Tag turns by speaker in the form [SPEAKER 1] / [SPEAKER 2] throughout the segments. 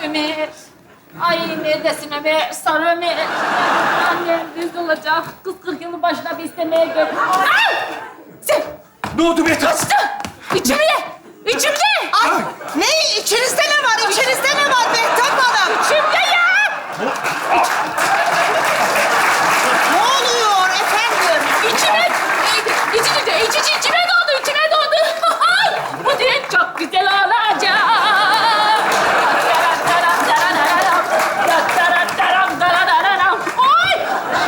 [SPEAKER 1] Ömer. Ay neredesin Ömer? Sarı Ömer. Annem düz olacak. Kız 40 yılın başına bir istemeye gel. Ay! Sen
[SPEAKER 2] Ne oldu Mehtap?
[SPEAKER 1] kaçtı. İçimde. İçimde.
[SPEAKER 3] Ay, ne? İçinizde ne var? İçinizde ne var Mehtap Hanım?
[SPEAKER 1] İçimde ya.
[SPEAKER 3] Ne oluyor efendim?
[SPEAKER 1] İçime doğdu. Ay, bu düğün çok güzel olacak. Ay!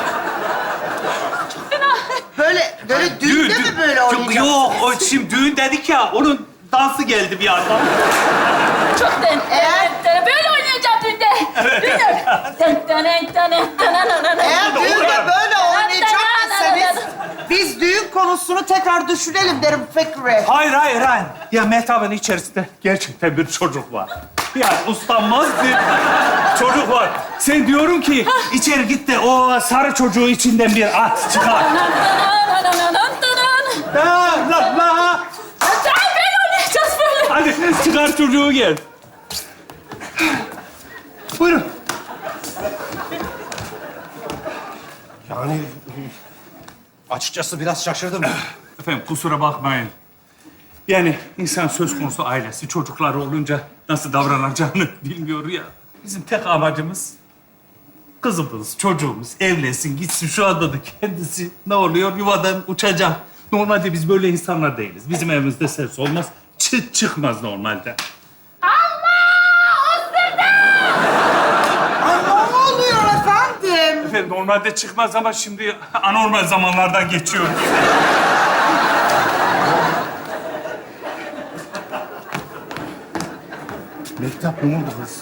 [SPEAKER 1] Çok fena.
[SPEAKER 3] Böyle düğünde mi böyle oynayacak?
[SPEAKER 2] Yok, o şimdi düğün dedik ya, onun dansı geldi bir yandan.
[SPEAKER 1] Çok den. Böyle oynayacağım düğünde.
[SPEAKER 3] Eğer düğünde böyle oynayacak iseniz biz düğün konusunu tekrar düşünelim derim Fikri.
[SPEAKER 2] Hayır. Ya Mehtap'ın içerisinde gerçekten bir çocuk var. Yani uslanmaz bir çocuk var. Sen diyorum ki içeri git de o sarı çocuğu içinden bir at çıkar. La.
[SPEAKER 1] Böyle oynayacağız böyle.
[SPEAKER 2] Hadi çıkar çocuğu gel. Buyurun.
[SPEAKER 4] Yani açıkçası biraz şaşırdım.
[SPEAKER 2] Efendim kusura bakmayın. Yani insan söz konusu ailesi, çocukları olunca nasıl davranacağını bilmiyor ya. Bizim tek amacımız kızımız, çocuğumuz evlensin, gitsin. Şu anda da kendisi ne oluyor? Yuvadan uçacak. Normalde biz böyle insanlar değiliz. Bizim evimizde ses olmaz, çıt çıkmaz normalde.
[SPEAKER 3] Ay ne oluyor efendim?
[SPEAKER 2] Efendim normalde çıkmaz ama şimdi anormal zamanlardan geçiyoruz. Mehtap ne oldu kız?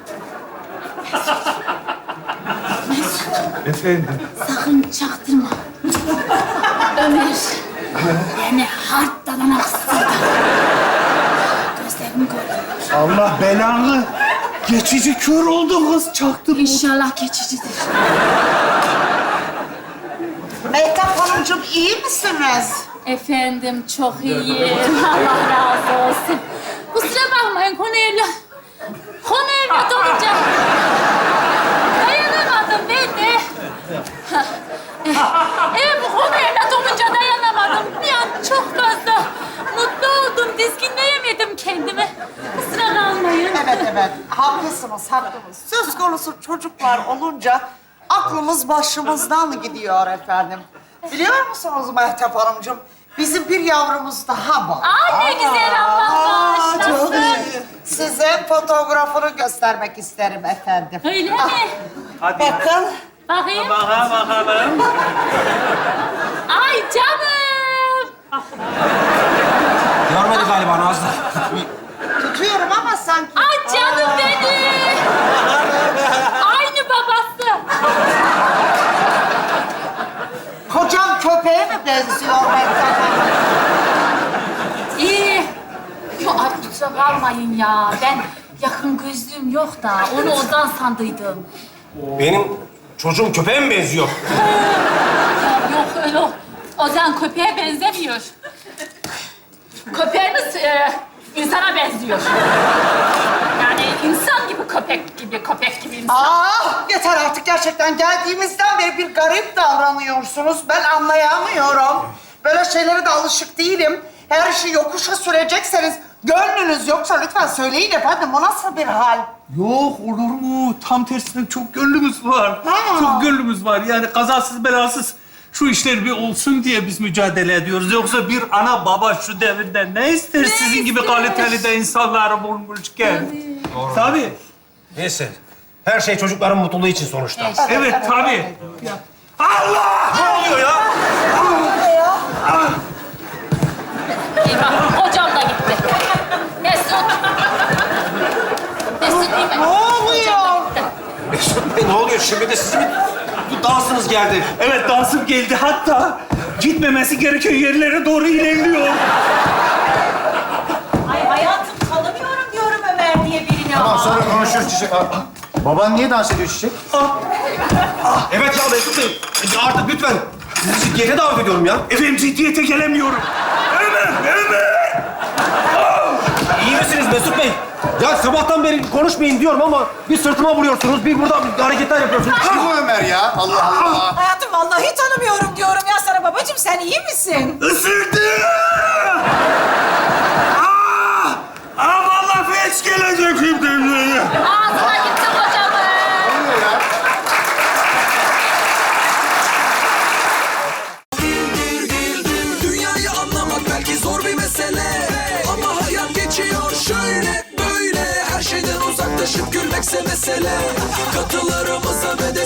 [SPEAKER 2] Efendim?
[SPEAKER 1] Sakın çaktırma. Ömer. Beni hard dalanak ısırdı. Gözlerim görüyor.
[SPEAKER 2] Allah belanı. Geçici kör oldu kız, çaktırma.
[SPEAKER 1] İnşallah geçicidir.
[SPEAKER 3] Mehtap Hanımcığım iyi misiniz?
[SPEAKER 1] Efendim çok iyiyim. Allah razı olsun. Kusura bakmayın konu evlat olunca dayanamadım ben de. Evet bu konu evlat olunca dayanamadım. Bir an çok fazla mutlu oldum. Dizginleyemedim kendimi. Kusura kalmayın.
[SPEAKER 3] Evet. Haklısınız. Söz konusu çocuklar olunca aklımız başımızdan gidiyor efendim. Biliyor musunuz Mehtap Hanımcığım? Bizim bir yavrumuz daha var.
[SPEAKER 1] Ay ne güzel Allah
[SPEAKER 3] Çok
[SPEAKER 1] bağışlasın.
[SPEAKER 3] iyi. Size fotoğrafını göstermek isterim efendim.
[SPEAKER 1] Öyle mi?
[SPEAKER 2] Hadi.
[SPEAKER 3] Bakın.
[SPEAKER 1] Bakayım.
[SPEAKER 2] Bakalım.
[SPEAKER 1] Ay canım.
[SPEAKER 4] Görmedi galiba Nazlı.
[SPEAKER 3] Tutuyorum ama sanki.
[SPEAKER 1] Ay canım benim. Aynı babası.
[SPEAKER 3] Kocam köpeğe mi benziyor Mehtap Hanım?
[SPEAKER 1] İyi. Yok ay kusura kalmayın ya. Ben yakın gözlüğüm yok da onu Ozan sandıydım.
[SPEAKER 4] Benim çocuğum köpeğe mi benziyor?
[SPEAKER 1] Ya, yok öyle Ozan köpeğe benzemiyor. Köpeğimiz insana benziyor. Yani insan gibi köpek gibi insan.
[SPEAKER 3] Yeter artık gerçekten. Geldiğimizden beri bir garip davranıyorsunuz. Ben anlayamıyorum. Böyle şeylere de alışık değilim. Her işi yokuşa sürecekseniz gönlünüz yoksa lütfen söyleyin efendim. Bu nasıl bir hal?
[SPEAKER 2] Yok olur mu? Tam tersine çok gönlümüz var.
[SPEAKER 3] Ha.
[SPEAKER 2] Çok gönlümüz var. Yani kazasız belasız şu işler bir olsun diye biz mücadele ediyoruz. Yoksa bir ana baba şu devirde ne ister sizin gibi
[SPEAKER 1] ister?
[SPEAKER 2] kaliteli de insanları bulmuşken? Tabii.
[SPEAKER 4] Neyse. Her şey çocukların mutluluğu için sonuçta.
[SPEAKER 2] Evet tabii. Allah!
[SPEAKER 4] Ne oluyor ya?
[SPEAKER 1] Eyvah, hocam da gitti. Mesut. Mesut değil mi?
[SPEAKER 3] Ne oluyor?
[SPEAKER 4] Mesut Bey ne oluyor? Şimdi de sizin bir dansınız geldi.
[SPEAKER 2] Evet dansım geldi. Hatta gitmemesi gereken yerlere doğru ilerliyor.
[SPEAKER 5] Ay hayatım tanımıyorum diyorum Ömer diye birini
[SPEAKER 6] Tamam
[SPEAKER 5] ama.
[SPEAKER 6] sonra konuşuruz Çiçek. Baban niye dans ediyor Çiçek?
[SPEAKER 4] Evet ya Mesut Bey. Artık lütfen. Sizi gece davet ediyorum ya.
[SPEAKER 2] Efendim ciddiyete gelemiyorum. Ömer!
[SPEAKER 4] İyi misiniz Mesut Bey? Ya sabahtan beri konuşmayın diyorum ama bir sırtıma vuruyorsunuz, bir burada hareketler yapıyorsunuz.
[SPEAKER 6] Kim bu Ömer ya? Allah Allah.
[SPEAKER 5] Hayatım vallahi tanımıyorum diyorum ya sana babacığım. Sen iyi misin?
[SPEAKER 2] Isırdı! Vallahi felç gelecek şimdi.
[SPEAKER 1] Ağzına gitti kocamın.
[SPEAKER 6] Ne oluyor ya?
[SPEAKER 7] Dünyayı anlamak belki zor bir mesele, ama hayat geçiyor şöyle böyle. Her şeyden uzaklaşıp gülmekse mesele. Katılarımıza ve de